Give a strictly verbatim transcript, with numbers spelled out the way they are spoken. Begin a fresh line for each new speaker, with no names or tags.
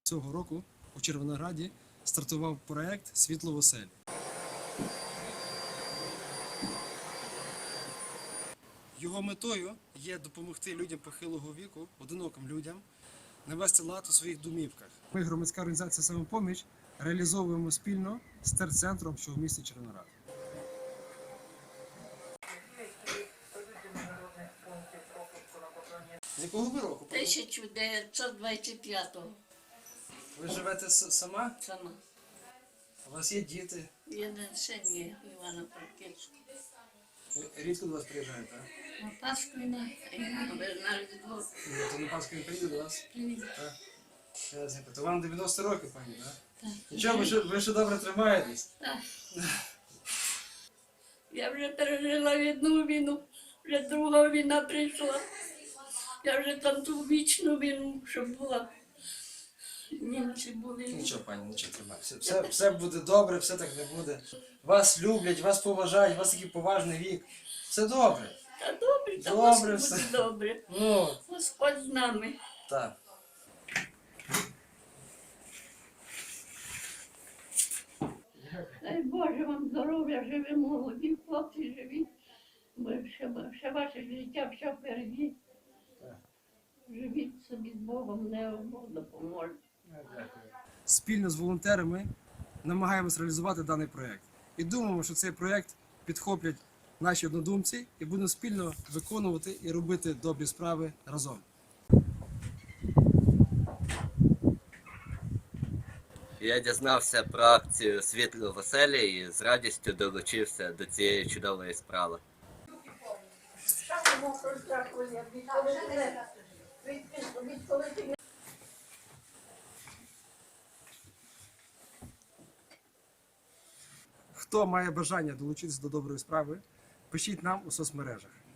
Цього року у Червонограді стартував проект «Світло в оселі». Його метою є допомогти людям похилого віку, одиноким людям, навести лад у своїх домівках. Ми, громадська організація «Самопоміч», реалізовуємо спільно з терцентром, що в місті Червоноград. З якого ви року?
тисяча дев'ятсот двадцять п'ятого.
Ви живете сама?
Сама.
У вас є діти?
Я на сині Івана Франківська.
Ви рідко до вас приїжджаєте, так?
На Пасху і на Різдво.
Ну, то на Пасху він приїде до вас?
Привіт.
Так. Ясненько. То вам дев'яносто років, пані, так?
Так.
Нічого, ви ще, ви ще добре тримаєтесь?
Так. Я вже пережила одну війну, вже друга війна прийшла. Я вже там ту вічну війну, що була. Німці були.
Нічого, пані, нічого тримає. Все, все, все буде добре, все так не буде. Вас люблять, вас поважають, у вас такий поважний вік. Все добре.
Та добре, та
Добре
все буде
все.
добре.
Ну,
Господь з нами.
так.
Дай Боже вам здоров'я, живі молоді, хлопці живі. Бо ще, ще ваше життя все впереді. Живіть собі з Богом, не Бог допоможе.
Спільно з волонтерами намагаємось реалізувати даний проєкт. І думаємо, що цей проєкт підхоплять наші однодумці і будемо спільно виконувати і робити добрі справи разом.
Я дізнався про акцію «Світло в оселі» і з радістю долучився до цієї чудової справи.
Хто має бажання долучитися до доброї справи, пишіть нам у соцмережах.